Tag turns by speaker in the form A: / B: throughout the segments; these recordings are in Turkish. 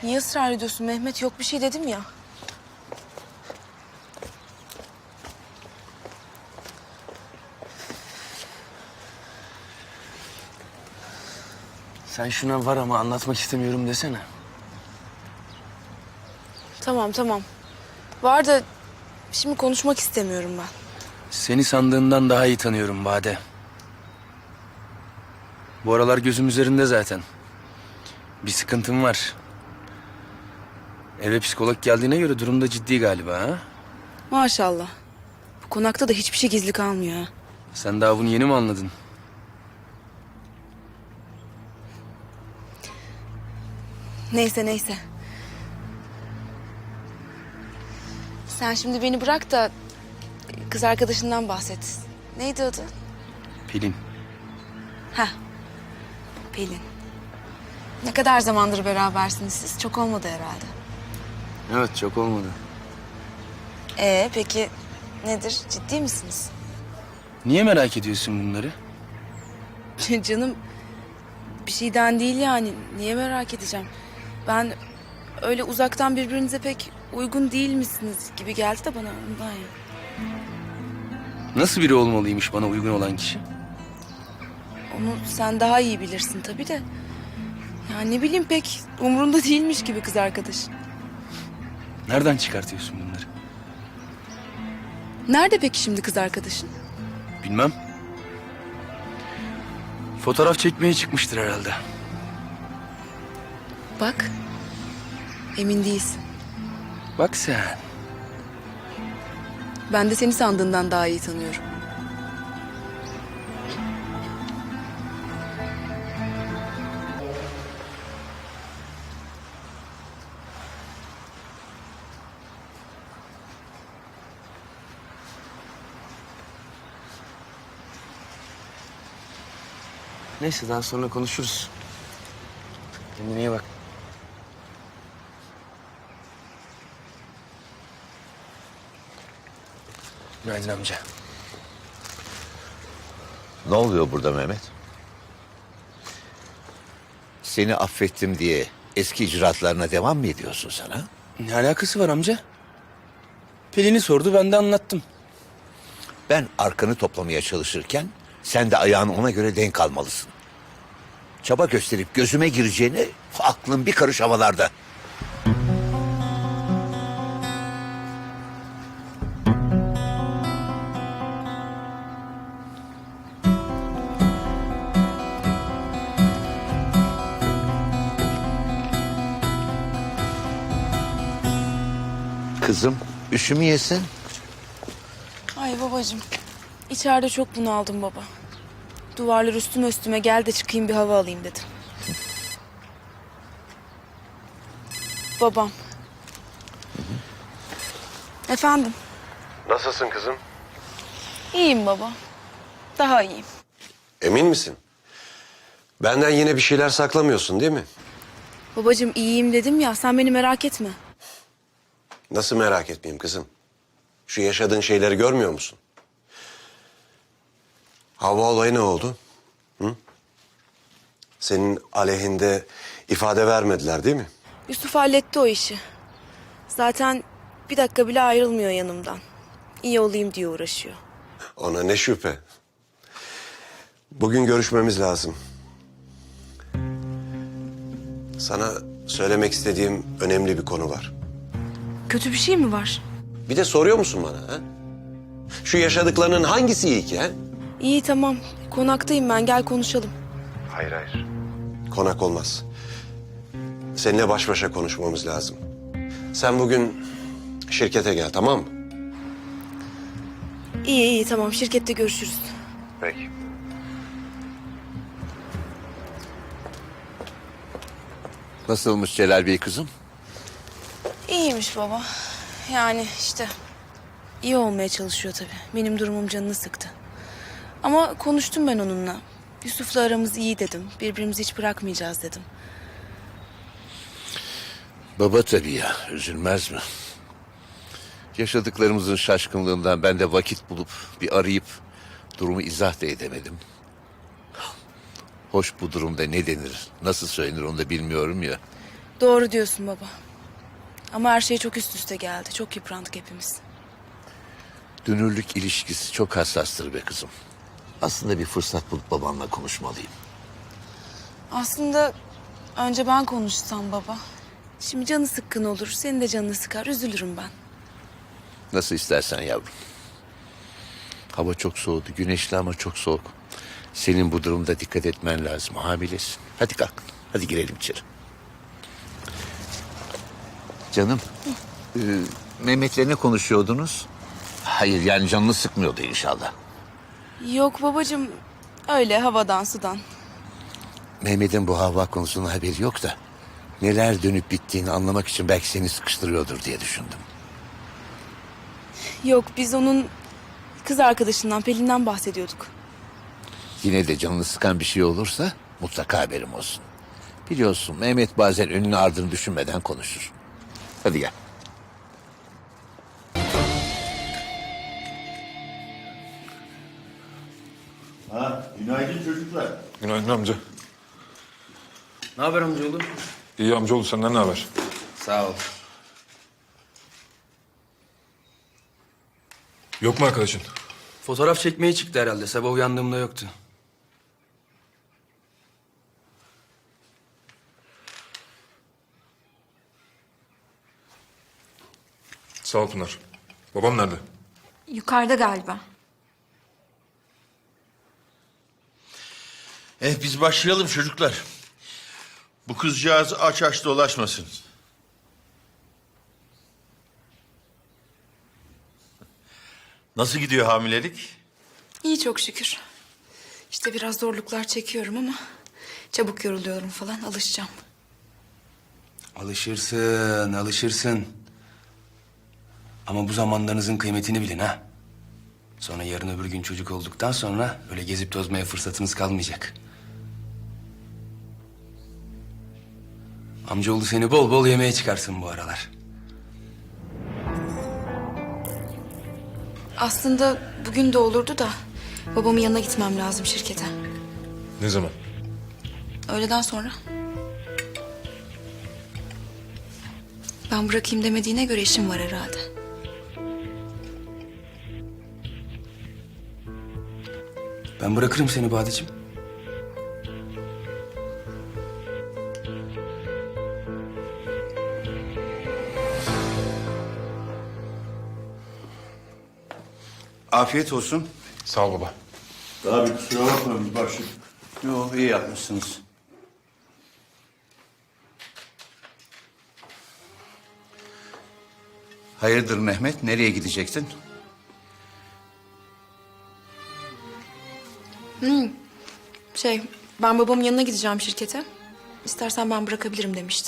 A: Niye ısrar ediyorsun Mehmet? Yok bir şey dedim ya.
B: Sen şuna var ama anlatmak istemiyorum desene.
A: Tamam. Var da şimdi konuşmak istemiyorum ben.
B: Seni sandığından daha iyi tanıyorum Bade. Bu aralar gözüm üzerinde zaten. Bir sıkıntım var. Eve psikolog geldiğine göre durum da ciddi galiba ha?
A: Maşallah. Bu konakta da hiçbir şey gizli kalmıyor ha.
B: Sen daha bunu yeni mi anladın?
A: Neyse. Sen şimdi beni bırak da kız arkadaşından bahset. Neydi adı?
B: Pelin.
A: Heh. Pelin. Ne kadar zamandır berabersiniz siz? Çok olmadı herhalde.
B: Evet, çok olmadı.
A: Peki nedir? Ciddi misiniz?
B: Niye merak ediyorsun bunları?
A: Canım bir şeyden değil yani. Niye merak edeceğim? Ben öyle uzaktan birbirinize pek uygun değil misiniz gibi geldi de bana ondan ya.
B: Nasıl biri olmalıymış bana uygun olan kişi?
A: Onu sen daha iyi bilirsin tabii de. Ya ne bileyim pek umurunda değilmiş gibi kız arkadaş.
B: Nereden çıkartıyorsun bunları?
A: Nerede peki şimdi kız arkadaşın?
B: Bilmem. Fotoğraf çekmeye çıkmıştır herhalde.
A: Bak. Emin değilsin.
B: Bak sen.
A: Ben de seni sandığından daha iyi tanıyorum.
B: Neyse daha sonra konuşuruz. Kendine iyi bak. Günaydın amca.
C: Ne oluyor burada Mehmet? Seni affettim diye eski icraatlarına devam mı ediyorsun sen ha?
B: Ne alakası var amca? Pelin'i sordu, ben de anlattım.
C: Ben arkanı toplamaya çalışırken sen de ayağını ona göre denk almalısın. Çaba gösterip gözüme gireceğine aklın bir karış havalarda. Kızım üşümüyesin.
A: Ay babacığım. İçeride çok bunaldım baba. Duvarlar üstüme üstüme gel de çıkayım bir hava alayım dedim. Babam. Efendim.
D: Nasılsın kızım?
A: İyiyim baba. Daha iyiyim.
D: Emin misin? Benden yine bir şeyler saklamıyorsun değil mi?
A: Babacığım iyiyim dedim ya sen beni merak etme.
D: Nasıl merak etmeyeyim kızım? Şu yaşadığın şeyleri görmüyor musun? Hava olayı ne oldu? Hı? Senin aleyhinde ifade vermediler değil mi?
A: Yusuf halletti o işi. Zaten bir dakika bile ayrılmıyor yanımdan. İyi olayım diye uğraşıyor.
D: Ona ne şüphe. Bugün görüşmemiz lazım. Sana söylemek istediğim önemli bir konu var.
A: Kötü bir şey mi var?
D: Bir de soruyor musun bana ha? Şu yaşadıklarının hangisi iyi ki ha?
A: İyi tamam. Konaktayım ben gel konuşalım.
D: Hayır. Konak olmaz. Seninle baş başa konuşmamız lazım. Sen bugün şirkete gel, tamam mı?
A: İyi tamam şirkette görüşürüz.
D: Peki.
C: Nasılmış Celal Bey kızım?
A: İyiymiş baba. Yani işte iyi olmaya çalışıyor tabii. Benim durumum canını sıktı. Ama konuştum ben onunla. Yusuf'la aramız iyi dedim. Birbirimizi hiç bırakmayacağız dedim.
C: Baba tabii ya, üzülmez mi? Yaşadıklarımızın şaşkınlığından ben de vakit bulup bir arayıp durumu izah da edemedim. Hoş bu durumda ne denir, nasıl söylenir onu da bilmiyorum ya.
A: Doğru diyorsun baba. Ama her şey çok üst üste geldi. Çok yıprandık hepimiz.
C: Dünürlük ilişkisi çok hassastır be kızım. Aslında bir fırsat bulup babanla konuşmalıyım.
A: Aslında önce ben konuşsam baba. Şimdi canı sıkkın olur. Senin de canını sıkar. Üzülürüm ben.
C: Nasıl istersen yavrum. Hava çok soğudu. Güneşli ama çok soğuk. Senin bu durumda dikkat etmen lazım. Hamilesin. Hadi kalk. Hadi girelim içeri. Canım. Mehmet'le ne konuşuyordunuz? Hayır yani canını sıkmıyordu inşallah.
A: Yok babacığım. Öyle havadan sudan.
C: Mehmet'in bu hava konusunda haberi yok da... neler dönüp bittiğini anlamak için belki seni sıkıştırıyordur diye düşündüm.
A: Yok biz onun kız arkadaşından Pelin'den bahsediyorduk.
C: Yine de canını sıkan bir şey olursa mutlaka haberim olsun. Biliyorsun Mehmet bazen önünü ardını düşünmeden konuşur. Hadi gel.
E: Günaydın çocuklar.
F: Günaydın amca.
B: Ne haber amcaoğlu?
F: İyi amcaoğlu, senden ne haber?
B: Sağ ol.
F: Yok mu arkadaşın?
B: Fotoğraf çekmeye çıktı herhalde. Sabah uyandığımda yoktu.
F: Sağ ol Pınar. Babam nerede?
G: Yukarıda galiba.
E: Biz başlayalım çocuklar. Bu kızcağız aç aç dolaşmasın. Nasıl gidiyor hamilelik?
G: İyi çok şükür. İşte biraz zorluklar çekiyorum ama çabuk yoruluyorum falan, alışacağım.
H: Alışırsın, alışırsın. Ama bu zamanlarınızın kıymetini bilin ha. Sonra yarın öbür gün çocuk olduktan sonra öyle gezip tozmaya fırsatınız kalmayacak. Amcaoğlu seni bol bol yemeğe çıkarsın bu aralar.
G: Aslında bugün de olurdu da babamın yanına gitmem lazım şirkete.
F: Ne zaman?
G: Öğleden sonra. Ben bırakayım demediğine göre işim var herhalde.
H: Ben bırakırım seni Badeciğim.
E: Afiyet olsun.
F: Sağ ol baba.
E: Abi kusura bakma biz başladık.
I: Yo, iyi yapmışsınız. Hayırdır Mehmet, nereye gidecektin?
G: Ben babamın yanına gideceğim şirkete. İstersen ben bırakabilirim demişti.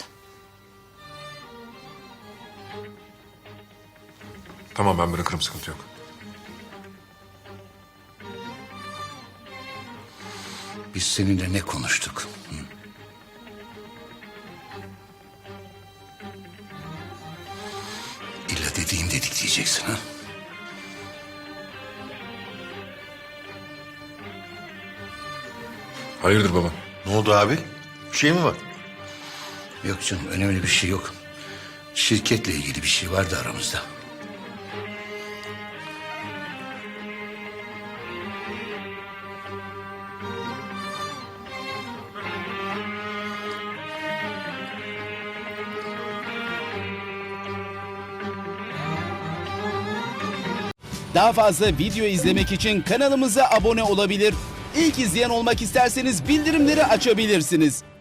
F: Tamam, ben bırakırım, sıkıntı yok.
I: Biz seninle ne konuştuk? Hı? İlla dediğim dedik diyeceksin ha?
F: Hayırdır baba?
E: Ne oldu abi? Bir şey mi var?
I: Yok canım, önemli bir şey yok. Şirketle ilgili bir şey vardı aramızda.
J: Daha fazla video izlemek için kanalımıza abone olabilir. İlk izleyen olmak isterseniz bildirimleri açabilirsiniz.